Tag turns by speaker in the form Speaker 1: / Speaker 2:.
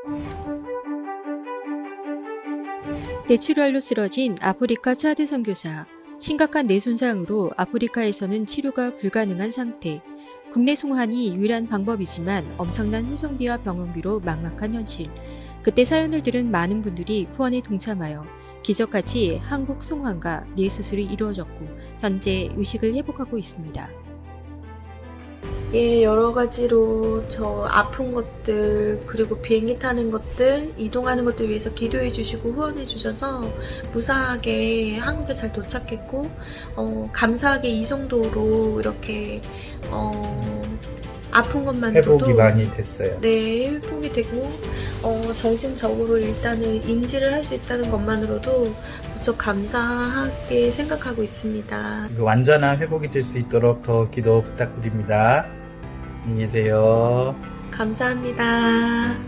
Speaker 1: 뇌출혈로 쓰러진 아프리카 차드 선교사. 심각한 뇌 손상으로 아프리카에서는 치료가 불가능한 상태. 국내 송환이 유일한 방법이지만 엄청난 후성비와 병원비로 막막한 현실. 그때 사연을 들은 많은 분들이 후원에 동참하여 기적같이 한국 송환과 뇌 수술이 이루어졌고 현재 의식을 회복하고 있습니다.
Speaker 2: 예, 여러 가지로 저 아픈 것들, 그리고 비행기 타는 것들, 이동하는 것들 위해서 기도해 주시고 후원해 주셔서 무사하게 한국에 잘 도착했고, 감사하게 이 정도로 이렇게, 아픈 것만으로도
Speaker 3: 회복이 많이 됐어요.
Speaker 2: 네, 회복이 되고, 정신적으로 일단은 인지를 할 수 있다는 것만으로도 무척 감사하게 생각하고 있습니다.
Speaker 3: 완전한 회복이 될 수 있도록 더 기도 부탁드립니다. 안녕히 계세요.
Speaker 2: 감사합니다.